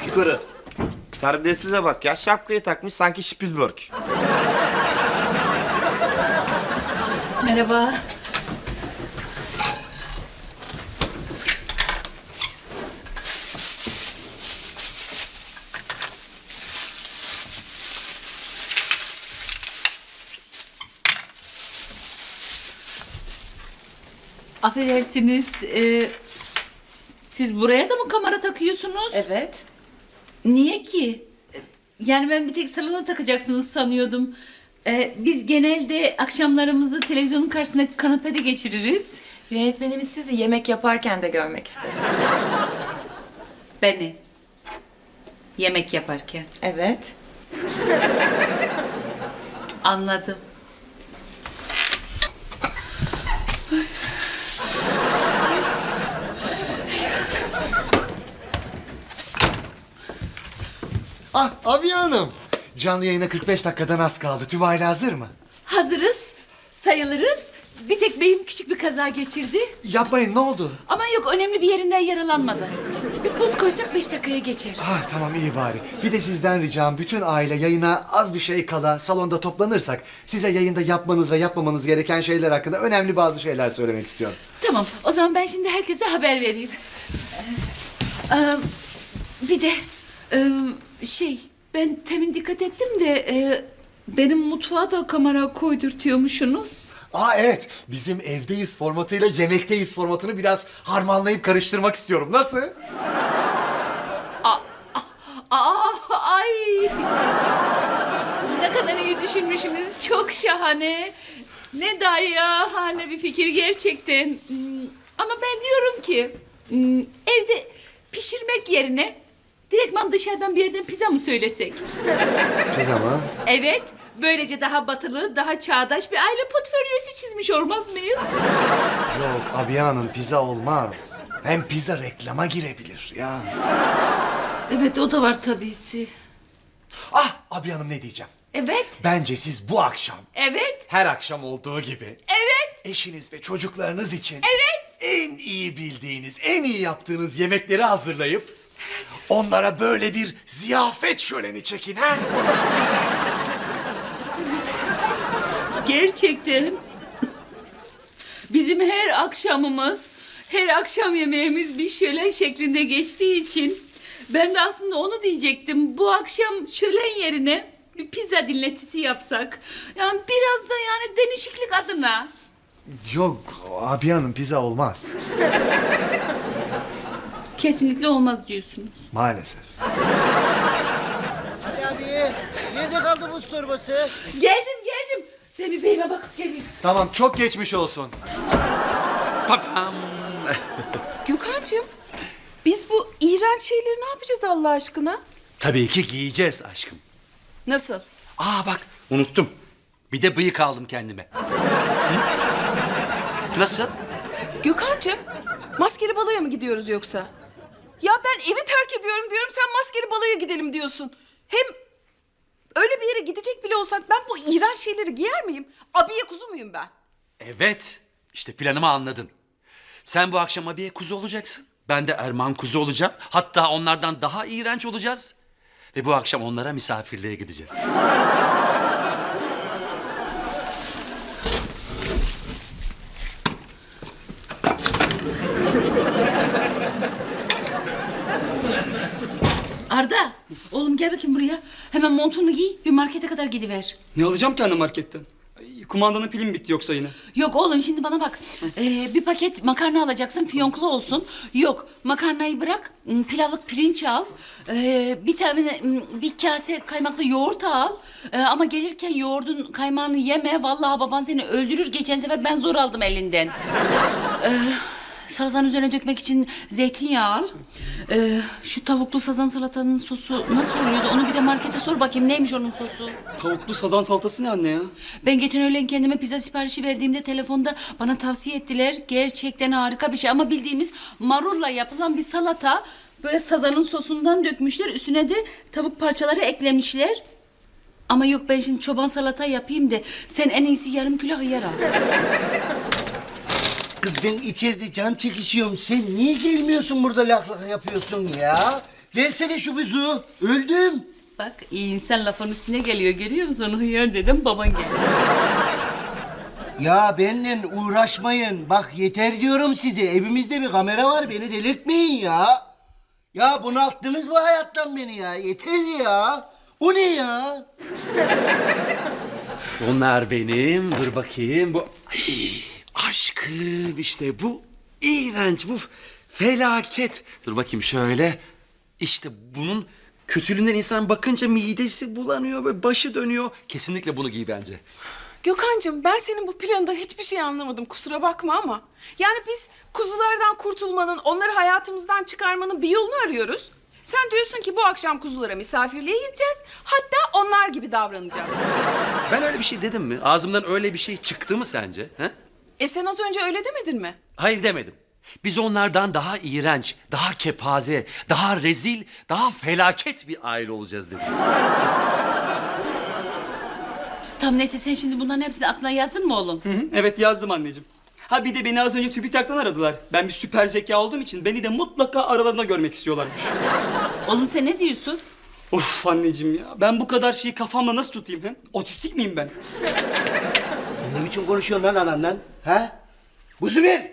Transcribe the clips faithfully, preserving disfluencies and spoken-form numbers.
yukarı. Terbiyesize bak ya, şapkayı takmış sanki Spielberg. Merhaba. Affedersiniz, e, siz buraya da mı kamera takıyorsunuz? Evet. Niye ki? Yani ben bir tek salona takacaksınız sanıyordum. E, biz genelde akşamlarımızı televizyonun karşısında kanepede geçiririz. Yönetmenimiz sizi yemek yaparken de görmek istedi. Beni. Yemek yaparken. Evet. Anladım. Ah Abiye Hanım. Canlı yayına kırk beş dakikadan az kaldı. Tüm aile hazır mı? Hazırız, sayılırız. Bir tek beyim küçük bir kaza geçirdi. Yapmayın, ne oldu? Ama yok, önemli bir yerinden yaralanmadı. Bir buz koysak beş dakikaya geçer. Ah tamam, iyi bari. Bir de sizden ricam, bütün aile yayına az bir şey kala salonda toplanırsak size yayında yapmanız ve yapmamanız gereken şeyler hakkında önemli bazı şeyler söylemek istiyorum. Tamam, o zaman ben şimdi herkese haber vereyim. Ee, e, bir de e, şey, ben temin dikkat ettim de e, benim mutfağa da kamera koydurtuyormuşsunuz. Aa evet, bizim evdeyiz formatıyla yemekteyiz formatını biraz harmanlayıp karıştırmak istiyorum. Nasıl? Aa, ay! Ne kadar iyi düşünmüşsünüz, çok şahane. Ne dayahane bir fikir gerçekten. Hmm, Ama ben diyorum ki, hmm, evde pişirmek yerine direktman dışarıdan bir yerden pizza mı söylesek? Pizza mı? Evet, böylece daha batılı, daha çağdaş bir aile portföyüsü çizmiş olmaz mıyız? Yok Abiye Hanım, pizza olmaz. Hem pizza reklama girebilir ya. Evet, o da var tabisi. Ah Abiye Hanım, ne diyeceğim? Evet, Bence siz bu akşam evet, her akşam olduğu gibi evet. eşiniz ve çocuklarınız için Evet. en iyi bildiğiniz, en iyi yaptığınız yemekleri hazırlayıp onlara böyle bir ziyafet şöleni çekin ha? Gerçekten bizim her akşamımız, her akşam yemeğimiz bir şölen şeklinde geçtiği için ben de aslında onu diyecektim. Bu akşam şölen yerine bir pizza dinletisi yapsak. Yani biraz da yani değişiklik adına. Yok Abiye Hanım, pizza olmaz. Kesinlikle olmaz diyorsunuz. Maalesef. Hadi abi. Nerede kaldı buz torbası? Geldim geldim. Ben bir beyime bakıp geleyim. Tamam, çok geçmiş olsun. Papam. Gökhan'cığım, biz bu iğrenç şeyleri ne yapacağız Allah aşkına? Tabii ki giyeceğiz aşkım. Nasıl? Aa bak unuttum. Bir de bıyık aldım kendime. Hı? Nasıl? Gökhan'cığım, maskeli baloya mı gidiyoruz yoksa? Ya ben evi terk ediyorum diyorum, sen maskeli baloya gidelim diyorsun. Hem öyle bir yere gidecek bile olsak ben bu iğrenç şeyleri giyer miyim? Abiye kuzu muyum ben? Evet. İşte planımı anladın. Sen bu akşam abiye kuzu olacaksın. Ben de Erman kuzu olacağım. Hatta onlardan daha iğrenç olacağız. Ve bu akşam onlara misafirliğe gideceğiz. Arda, oğlum gel bakayım buraya. Hemen montunu giy, bir markete kadar gidiver. Ne alacağım ki anne marketten? Ay, kumandanın pili mi bitti yoksa yine? Yok oğlum, şimdi bana bak. Ee, bir paket makarna alacaksın, fiyonklu olsun. Yok, makarnayı bırak, m, pilavlık pirinç al. Ee, bir tane m, bir kase kaymaklı yoğurt al. Ee, ama gelirken yoğurdun kaymağını yeme. Vallahi baban seni öldürür. Geçen sefer ben zor aldım elinden. Ee, salatanın üzerine dökmek için zeytinyağı al. Ee, şu tavuklu sazan salatanın sosu nasıl oluyordu? Onu bir de markete sor bakayım, neymiş onun sosu? Tavuklu sazan salatası ne anne ya? Ben geçen öğlen kendime pizza siparişi verdiğimde telefonda bana tavsiye ettiler. Gerçekten harika bir şey ama bildiğimiz marulla yapılan bir salata. Böyle sazanın sosundan dökmüşler. Üstüne de tavuk parçaları eklemişler. Ama yok, ben şimdi çoban salata yapayım de sen en iyisi yarım kilo hıyar al. Kız ben içeride can çekişiyorum. Sen niye gelmiyorsun burada lak lak yapıyorsun ya? Versene şu buzu. Öldüm. Bak iyi insan lafın üstüne geliyor görüyor musun? Hıyar dedim baban geldi. Ya benimle uğraşmayın. Bak yeter diyorum size. Evimizde bir kamera var. Beni delirtmeyin ya. Ya bunalttınız bu hayattan beni ya. Yeter ya. O ne ya? Onlar benim. Dur bakayım. Bu Ay, aşkım işte bu iğrenç, bu felaket. Dur bakayım şöyle. İşte bunun kötülüğünden insan bakınca midesi bulanıyor ve başı dönüyor. Kesinlikle bunu giy bence. Gökhan'cığım ben senin bu planından hiçbir şey anlamadım kusura bakma ama. Yani biz kuzulardan kurtulmanın, onları hayatımızdan çıkarmanın bir yolunu arıyoruz. Sen diyorsun ki bu akşam kuzulara misafirliğe gideceğiz. Hatta onlar gibi davranacağız. Ben öyle bir şey dedim mi? Ağzımdan öyle bir şey çıktı mı sence? He? E sen az önce öyle demedin mi? Hayır demedim. Biz onlardan daha iğrenç, daha kepaze, daha rezil, daha felaket bir aile olacağız dedim. Tamam neyse sen şimdi bunların hepsini aklına yazdın mı oğlum? Hı hı, evet yazdım anneciğim. Ha bir de beni az önce TÜBİTAK'tan aradılar. Ben bir süper zeka olduğum için beni de mutlaka aralarında görmek istiyorlarmış. Oğlum sen ne diyorsun? Of anneciğim ya. Ben bu kadar şeyi kafamda nasıl tutayım hem? Otistik miyim ben? Sen ne biçim konuşuyorsun lan ananla? Ha? Buzu ver.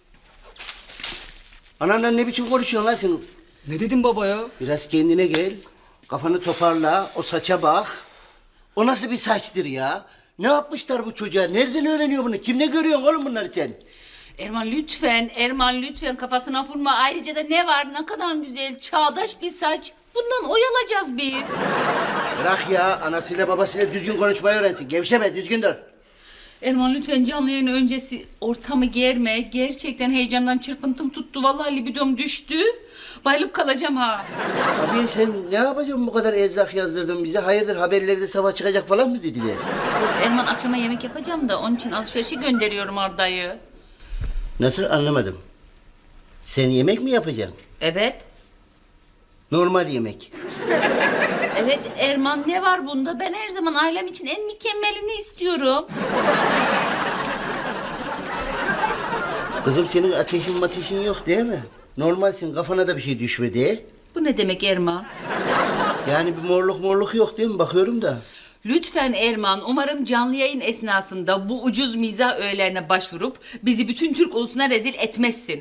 Ananla ne biçim konuşuyorsun lan sen? Ne dedim baba ya? Biraz kendine gel. Kafanı toparla. O saça bak. O nasıl bir saçtır ya? Ne yapmışlar bu çocuğa? Nereden öğreniyor bunu? Kimde görüyorsun oğlum bunları sen? Erman lütfen, Erman lütfen kafasına vurma. Ayrıca da ne var ne kadar güzel, çağdaş bir saç. Bundan oyalacağız biz. Bırak ya. Anasıyla babasıyla düzgün konuşmayı öğrensin. Gevşeme, düzgün dur. Erman lütfen canlı yayın öncesi ortamı germe. Gerçekten heyecandan çırpıntım tuttu. Vallahi libidom düştü. Bayılıp kalacağım ha. Abi sen ne yapacaksın bu kadar erzak yazdırdın bize? Hayırdır haberlerde sabah çıkacak falan mı dediler? Yok Erman akşama yemek yapacağım da onun için alışverişe gönderiyorum Arda'yı. Nasıl anlamadım. Sen yemek mi yapacaksın? Evet. Normal yemek. Evet Erman ne var bunda? Ben her zaman ailem için en mükemmelini istiyorum. Kızım senin ateşin mateşin yok değil mi? Normalsin, kafana da bir şey düşmedi. Bu ne demek Erman? Yani bir morluk morluk yok değil mi? Bakıyorum da. Lütfen Erman, umarım canlı yayın esnasında bu ucuz mizah öğelerine başvurup bizi bütün Türk ulusuna rezil etmezsin.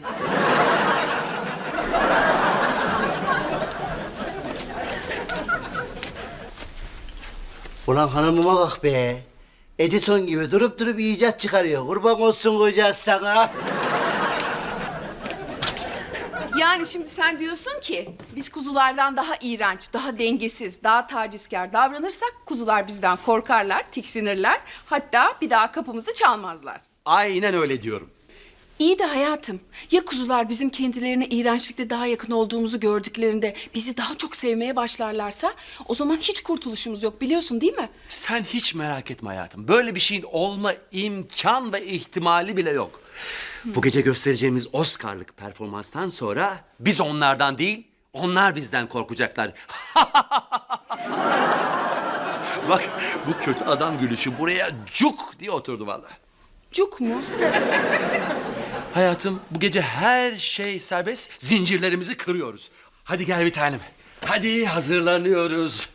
Ulan hanımıma bak be. Edison gibi durup durup icat çıkarıyor. Kurban olsun kocası sana. Yani şimdi sen diyorsun ki biz kuzulardan daha iğrenç, daha dengesiz, daha tacizkar davranırsak kuzular bizden korkarlar, tiksinirler. Hatta bir daha kapımızı çalmazlar. Aynen öyle diyorum. İyi de hayatım, ya kuzular bizim kendilerine iğrençlikte daha yakın olduğumuzu gördüklerinde bizi daha çok sevmeye başlarlarsa o zaman hiç kurtuluşumuz yok biliyorsun değil mi? Sen hiç merak etme hayatım. Böyle bir şeyin olma imkan ve ihtimali bile yok. Bu gece göstereceğimiz Oscar'lık performanstan sonra biz onlardan değil, onlar bizden korkacaklar. Bak bu kötü adam gülüşü buraya cuk diye oturdu vallahi. Cuk mu? Hayatım bu gece her şey serbest, zincirlerimizi kırıyoruz. Hadi gel bir tanem. Hadi hazırlanıyoruz.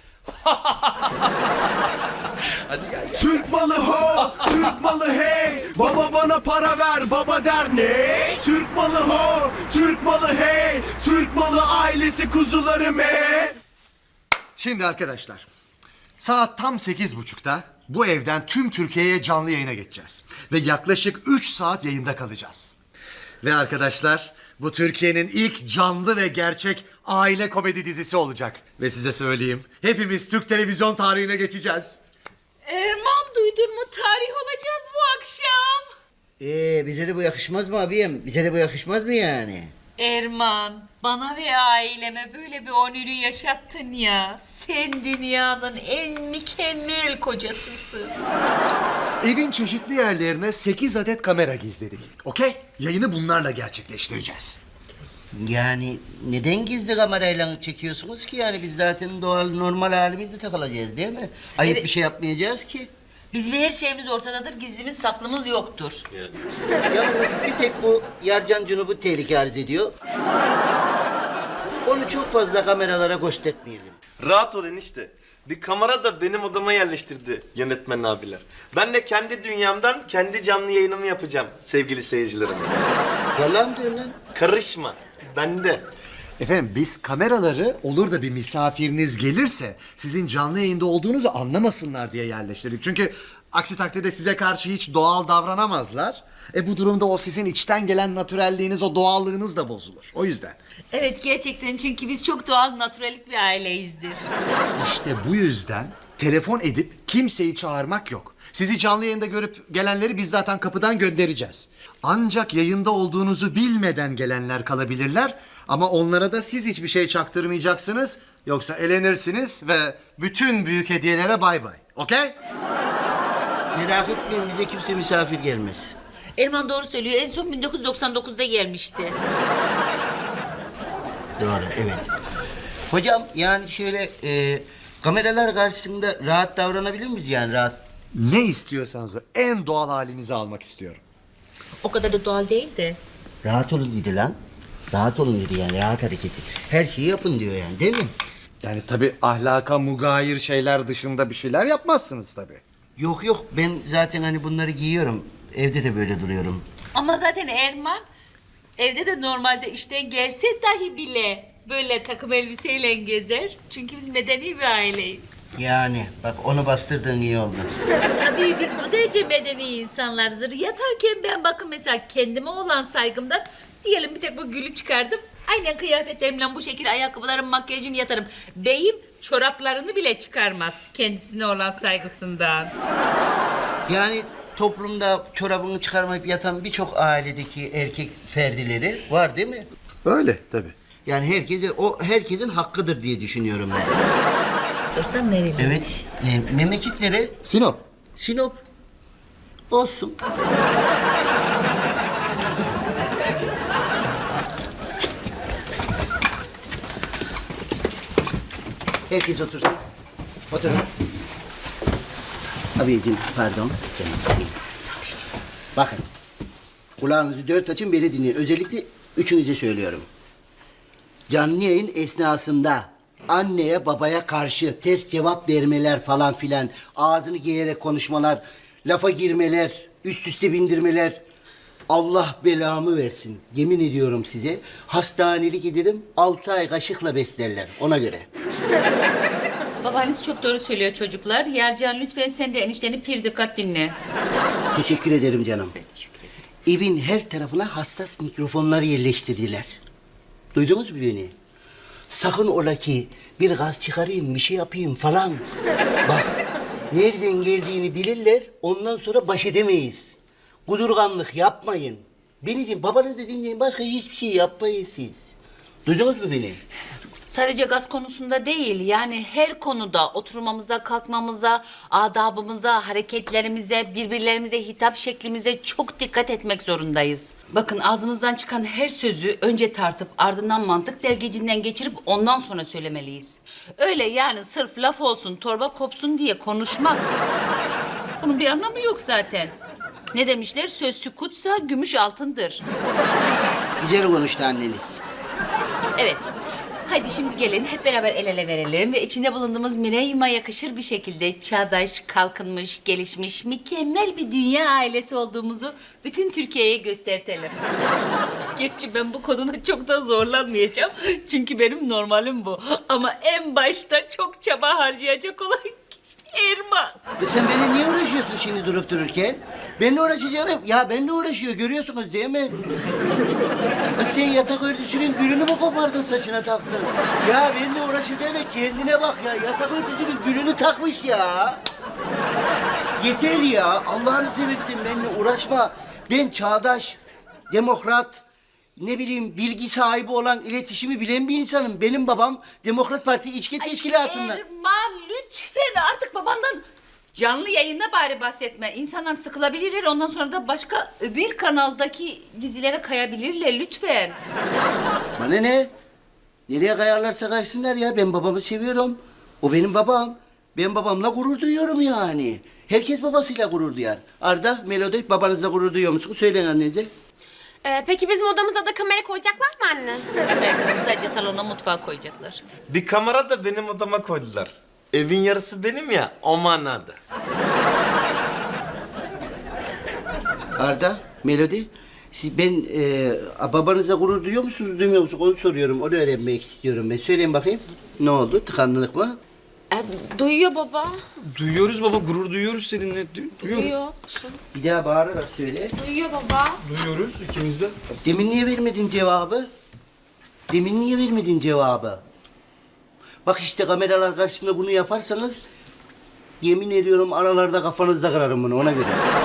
Hadi gel. Türk malı ho, Türk malı hey. Baba bana para ver, baba der ne? Türk malı ho, Türk malı hey. Türk malı ailesi kuzularım hey. Şimdi arkadaşlar, saat tam sekiz buçukta bu evden tüm Türkiye'ye canlı yayına geçeceğiz. Ve yaklaşık üç saat yayında kalacağız. Ve arkadaşlar, bu Türkiye'nin ilk canlı ve gerçek aile komedi dizisi olacak. Ve size söyleyeyim, hepimiz Türk televizyon tarihine geçeceğiz. Erman duydun mu? Tarih olacağız bu akşam. Ee, bize de bu yakışmaz mı abiyim? Bize de bu yakışmaz mı yani? Erman, bana ve aileme böyle bir onürü yaşattın ya. Sen dünyanın en mükemmel kocasısın. Evin çeşitli yerlerine sekiz adet kamera gizledik. Okey? Yayını bunlarla gerçekleştireceğiz. Yani neden gizli kamerayla çekiyorsunuz ki? Yani biz zaten doğal normal halimizde takılacağız değil mi? Ayıp Evet. bir şey yapmayacağız ki. Bizim her şeyimiz ortadadır, gizlimiz saklımız yoktur. Yalnız bir tek bu Yarcan Cunub'u tehlike arz ediyor. Onu çok fazla kameralara göstermeyelim. Rahat ol enişte. Bir kamera da benim odama yerleştirdi yönetmen abiler. Ben de kendi dünyamdan kendi canlı yayınımı yapacağım sevgili seyircilerim. Vallahi mi diyorsun lan? Karışma. Bende. Efendim biz kameraları olur da bir misafiriniz gelirse sizin canlı yayında olduğunuzu anlamasınlar diye yerleştirdik. Çünkü aksi takdirde size karşı hiç doğal davranamazlar. E bu durumda o sizin içten gelen natürelliğiniz, o doğallığınız da bozulur. O yüzden. Evet gerçekten çünkü biz çok doğal, natürelik bir aileyizdir. İşte bu yüzden telefon edip kimseyi çağırmak yok. Sizi canlı yayında görüp gelenleri biz zaten kapıdan göndereceğiz. Ancak yayında olduğunuzu bilmeden gelenler kalabilirler. Ama onlara da siz hiçbir şey çaktırmayacaksınız. Yoksa elenirsiniz ve bütün büyük hediyelere bay bay. Okey? Merak etmeyin, bize kimse misafir gelmez. Erman doğru söylüyor. En son bin dokuz yüz doksan dokuzda gelmişti. Doğru, evet. Hocam yani şöyle e, kameralar karşısında rahat davranabilir miyiz yani rahat? Ne istiyorsanız o en doğal halinizi almak istiyorum. O kadar da doğal değil de. Rahat olun dedi lan. Rahat olun dedi yani rahat hareketi. Her şeyi yapın diyor yani değil mi? Yani tabii ahlaka mugayir şeyler dışında bir şeyler yapmazsınız tabii. Yok yok ben zaten hani bunları giyiyorum. Evde de böyle duruyorum. Ama zaten Erman evde de normalde işten gelse dahi bile böyle takım elbiseyle gezer. Çünkü biz medeni bir aileyiz. Yani bak onu bastırdığın iyi oldu. Tabii biz bu derece medeni insanlarızdır. Yatarken ben bakın mesela kendime olan saygımdan diyelim bir tek bu gülü çıkardım. Aynen kıyafetlerimle bu şekilde ayakkabılarım, makyajım yatarım. Beyim çoraplarını bile çıkarmaz kendisine olan saygısından. Yani toplumda çorabını çıkarmayıp yatan birçok ailedeki erkek ferdileri var değil mi? Öyle tabii. Yani herkese o herkesin hakkıdır diye düşünüyorum ben. Sorsan nereli? Evet. E, memleketleri Sinop. Sinop olsun. Herkes otursun. Oturun. Abiciğim pardon. Bakın. Kulağınızı dört açın beni dinleyin. Özellikle üçünüze söylüyorum. Canlı yayın esnasında anneye babaya karşı ters cevap vermeler falan filan, ağzını giyerek konuşmalar, lafa girmeler, üst üste bindirmeler, Allah belamı versin. Yemin ediyorum size hastanelik ederim, altı ay kaşıkla beslerler ona göre. Babanız çok doğru söylüyor çocuklar. Yercan lütfen sen de enişteni pir dikkat dinle. Teşekkür ederim canım. Evin her tarafına hassas mikrofonlar yerleştirdiler. Duydunuz mu beni? Sakın ola ki bir gaz çıkarayım, bir şey yapayım falan. Bak, nereden geldiğini bilirler, ondan sonra baş edemeyiz. Kudurganlık yapmayın. Beni din, babanızı dinleyin, başka hiçbir şey yapmayın siz. Duydunuz mu beni? Sadece gaz konusunda değil, yani her konuda oturmamıza, kalkmamıza, adabımıza, hareketlerimize, birbirlerimize hitap şeklimize çok dikkat etmek zorundayız. Bakın ağzımızdan çıkan her sözü önce tartıp ardından mantık delgecinden geçirip ondan sonra söylemeliyiz. Öyle yani sırf laf olsun, torba kopsun diye konuşmak. Bunun bir anlamı yok zaten. Ne demişler? Söz sükutsa gümüş altındır. Güzel konuştu anneniz. Evet. Hadi şimdi gelin hep beraber el ele verelim ve içinde bulunduğumuz Mireym'a yakışır bir şekilde çağdaş, kalkınmış, gelişmiş, mükemmel bir dünya ailesi olduğumuzu bütün Türkiye'ye göstertelim. Gerçi ben bu konuda çok da zorlanmayacağım. Çünkü benim normalim bu. Ama en başta çok çaba harcayacak olan kişi Erman. E sen beni niye uğraşıyorsun şimdi durup dururken? Benimle uğraşacağım. Ya benimle uğraşıyor görüyorsunuz değil mi? E sen yatak örtüsünün gülünü mü kopardın saçına taktın? Ya benimle uğraşacağına kendine bak ya. Yatak örtüsünün gülünü takmış ya. Yeter ya. Allah'ını seversen benimle uğraşma. Ben çağdaş, demokrat, ne bileyim bilgi sahibi olan, iletişimi bilen bir insanım. Benim babam Demokrat Parti İçki Teşkilatı'ndan. Erman lütfen artık babandan canlı yayında bari bahsetme. İnsanlar sıkılabilirler ondan sonra da başka bir kanaldaki dizilere kayabilirler lütfen. Bana ne? Nereye kayarlarsa kaysınlar ya. Ben babamı seviyorum. O benim babam. Ben babamla gurur duyuyorum yani. Herkes babasıyla gurur duyar. Arda, Melodi babanızla gurur duyuyor musun? Söyleyin annenize. Ee, peki bizim odamıza da kamera koyacaklar mı anne? Ee, kızım sadece salona mutfağa koyacaklar. Bir kamera da benim odama koydular. Evin yarısı benim ya, o manada. Arda, Melodi, siz ben e, babanızla gurur duyuyor musunuz, duymuyor musunuz? Onu soruyorum, onu öğrenmek istiyorum ben. Söyleyin bakayım, ne oldu? Tıkanlılık mı? Ee, duyuyor baba. Duyuyoruz baba, gurur duyuyoruz seninle. Du- Duyuyoruz. Duyuyor. Bir daha bağırarak söyle. Duyuyor baba. Duyuyoruz ikimiz de. Demin niye vermedin cevabı? Demin niye vermedin cevabı? Bak işte kameralar karşısında bunu yaparsanız... ...yemin ediyorum aralarda kafanızda kırarım bunu, ona göre.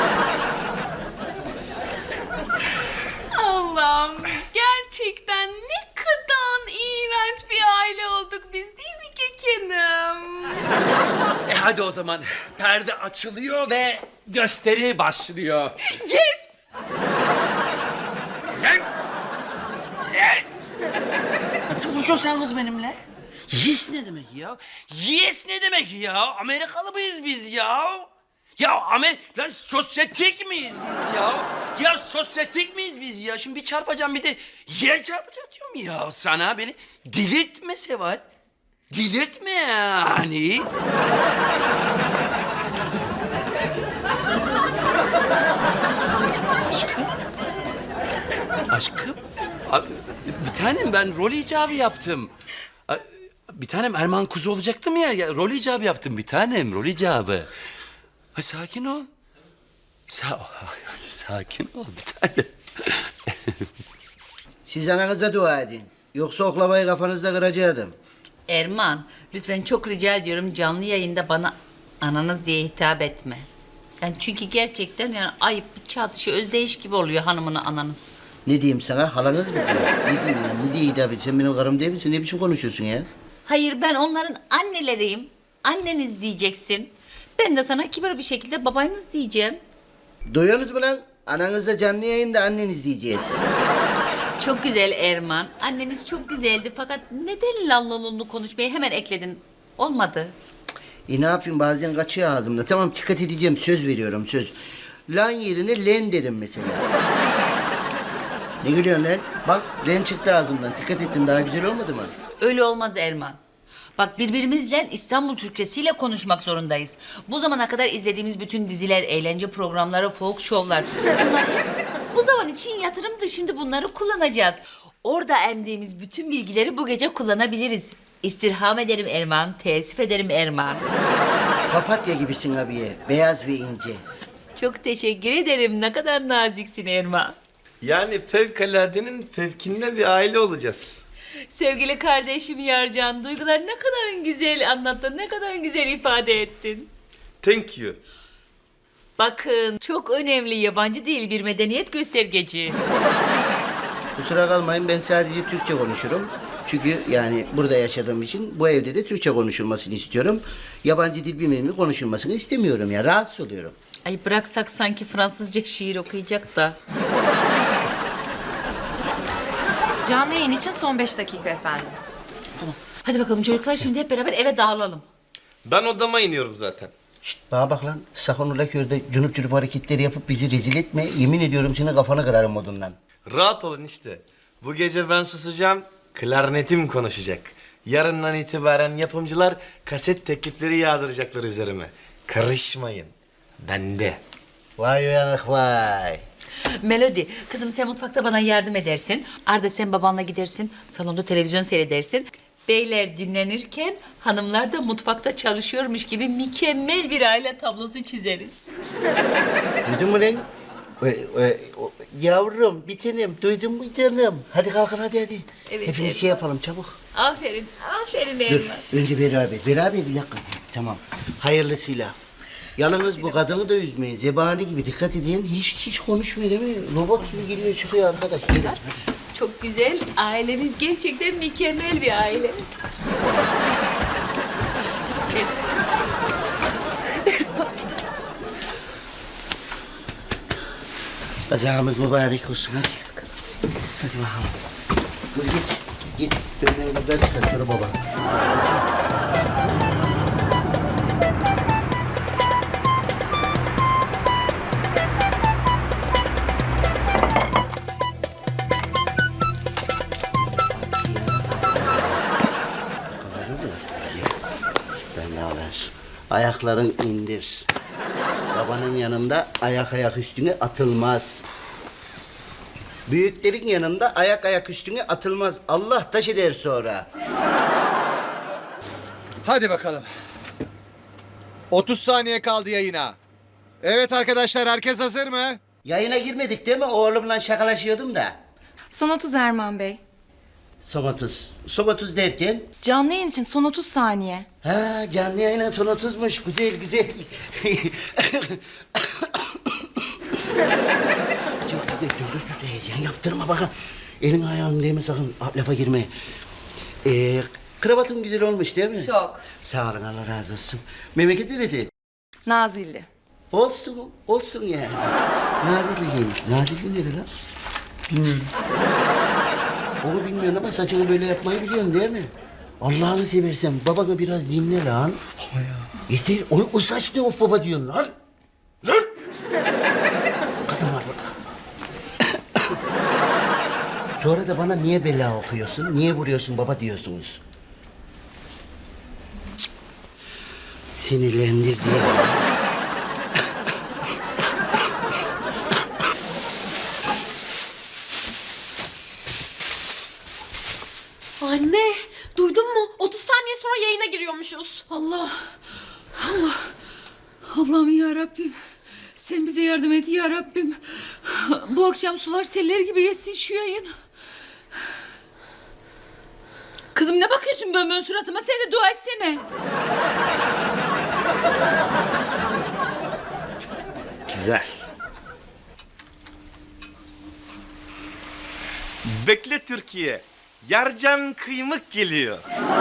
Allah'ım gerçekten ne kadar iğrenç bir aile olduk biz değil mi Kekenim? E hadi o zaman perde açılıyor ve gösteri başlıyor. Yes! Lan! Lan! Ne biçim konuşuyorsun sen kız benimle? Yes ne demek ya? Yes ne demek ya? Amerikalı mıyız biz ya? Ya Amer... Lan sosyetik miyiz biz ya? Ya sosyetik miyiz biz ya? Şimdi bir çarpacağım bir de yer çarpacağım diyorum ya sana. Beni delirtme Seval. Delirtme yani. Aşkım. Aşkım. Abi, bir tanem ben rol icabı yaptım. A- Bir tanem Erman Kuzu olacaktım ya, ya. Rol icabı yaptım bir tanem, rol icabı. Ay, sakin ol. Sa sakin ol bir tanem. Siz ananıza dua edin. Yoksa oklavayı kafanızda kıracaktım. Erman, lütfen çok rica ediyorum canlı yayında bana ananız diye hitap etme. Yani çünkü gerçekten yani ayıp bir çatışı, özdeyiş gibi oluyor hanımına ananız. Ne diyeyim sana? Halanız mı diyor? Ne diyeyim ya? Ne diye hitap et? Sen benim karım değil misin? Ne biçim konuşuyorsun ya? Hayır, ben onların anneleriyim. Anneniz diyeceksin. Ben de sana kibar bir şekilde babanız diyeceğim. Duyuyorsunuz mu lan? Ananızla canlı yayında anneniz diyeceğiz. Çok güzel Erman. Anneniz çok güzeldi fakat neden lanlolunlu konuşmayı hemen ekledin? Olmadı. E ne yapayım, bazen kaçıyor ağzımda. Tamam, dikkat edeceğim, söz veriyorum, söz. Lan yerine len derim mesela. Ne gülüyorsun lan? Bak, len çıktı ağzımdan. Dikkat ettim, daha güzel olmadı mı? Öyle olmaz Erman. Bak birbirimizle İstanbul Türkçesiyle konuşmak zorundayız. Bu zamana kadar izlediğimiz bütün diziler, eğlence programları, folk şovlar... Bunlar hep bu zaman için yatırımdı. Şimdi bunları kullanacağız. Orada emdiğimiz bütün bilgileri bu gece kullanabiliriz. İstirham ederim Erman, teessüf ederim Erman. Papatya gibisin abiye, beyaz ve ince. Çok teşekkür ederim. Ne kadar naziksin Erman. Yani fevkaladenin fevkinde bir aile olacağız. Sevgili kardeşim Yarcan, duygular ne kadar güzel anlattın, ne kadar güzel ifade ettin. Thank you. Bakın, çok önemli yabancı değil bir medeniyet göstergeci. Kusura kalmayın, ben sadece Türkçe konuşurum. Çünkü yani burada yaşadığım için bu evde de Türkçe konuşulmasını istiyorum. Yabancı dil bilmemi konuşulmasını istemiyorum ya, rahatsız oluyorum. Ay bıraksak sanki Fransızca şiir okuyacak da. Canlı yayın için son beş dakika efendim. Tamam. Hadi bakalım çocuklar, şimdi hep beraber eve dağılalım. Ben odama iniyorum zaten. Şşt, bana bak lan, sakın ola köyde cunup cunup hareketleri yapıp bizi rezil etme. Yemin ediyorum seni kafanı kırarım modundan. Rahat olun işte. Bu gece ben susacağım, klarnetim konuşacak. Yarından itibaren yapımcılar kaset teklifleri yağdıracaklar üzerime. Karışmayın. Bende. Vay uyanık vay. Melodi, kızım sen mutfakta bana yardım edersin. Arda sen babanla gidersin, salonda televizyon seyredersin. Beyler dinlenirken hanımlar da mutfakta çalışıyormuş gibi mükemmel bir aile tablosu çizeriz. Duydun mu lan? E, e, o- yavrum, bir tanem, duydun mu canım? Hadi kalkın, hadi hadi. Evet, Hepimiz evet. şey yapalım çabuk. Aferin, aferin Dur, Erman. önce beraber. Beraber bir dakika. Tamam. Hayırlısıyla. Yalnız bu kadını da üzmeyin. Zebani gibi dikkat edin. Hiç hiç konuşmuyor değil mi? Robot gibi giriyor çıkıyor arkadaş. Gelin. hadi. Çok güzel, ailemiz gerçekten mükemmel bir aile. Kazamız mübarek olsun hadi. Hadi bakalım. Kız git. Git. Dönme evlatlar çıkar sonra baba. evlalar. Ayakların indir. Babanın yanında ayak ayak üstüne atılmaz. Büyüklerin yanında ayak ayak üstüne atılmaz. Allah taş eder sonra. Hadi bakalım. otuz saniye kaldı yayına. Evet arkadaşlar, herkes hazır mı? Yayına girmedik değil mi? Oğlumla şakalaşıyordum da. Son otuz Erman Bey. Son otuz. Son otuz derken? Canlı yayın için son otuz saniye. Ha, canlı yayına son otuzmuş. Güzel güzel. Çok güzel. Dur dur dur. Heyecan yaptırma bana. Elin ayağın değme sakın. Lafa girme. Ee, kravatın güzel olmuş değil mi? Çok. Sağ olun, Allah razı olsun. Memleket neresi? Nazilli. Olsun, olsun yani. Nazilli'ymiş. Nazilli nere lan? Bilmiyorum. Onu bilmiyorsun ama saçını böyle yapmayı biliyorsun değil mi? Allah'ını seversen babanı biraz dinle lan. Baba ya. Yeter. O, o saç ne of baba diyorsun lan? Lan! Kadın var burada. Sonra da bana niye bela okuyorsun, niye vuruyorsun baba diyorsunuz. Cık. Sinirlendirdi ya. Anne, duydun mu? otuz saniye sonra yayına giriyormuşuz. Allah. Allah. Allah'ım ya Rabbim. Sen bize yardım et ya Rabbim. Bu akşam sular seller gibi yesin şu yayın. Kızım ne bakıyorsun bön bön suratıma? Sen de dua etsene. Güzel. Bekle Türkiye. Yarcan kıymık geliyor.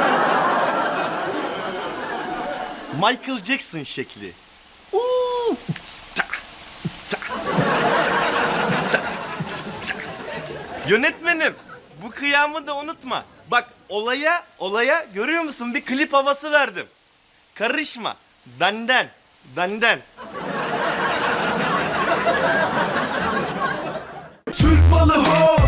Michael Jackson şekli. Uuu. Ta, ta, ta, ta. Yönetmenim, bu kıyamı da unutma. Bak olaya, olaya görüyor musun? Bir klip havası verdim. Karışma. Benden, benden. Türk malı ho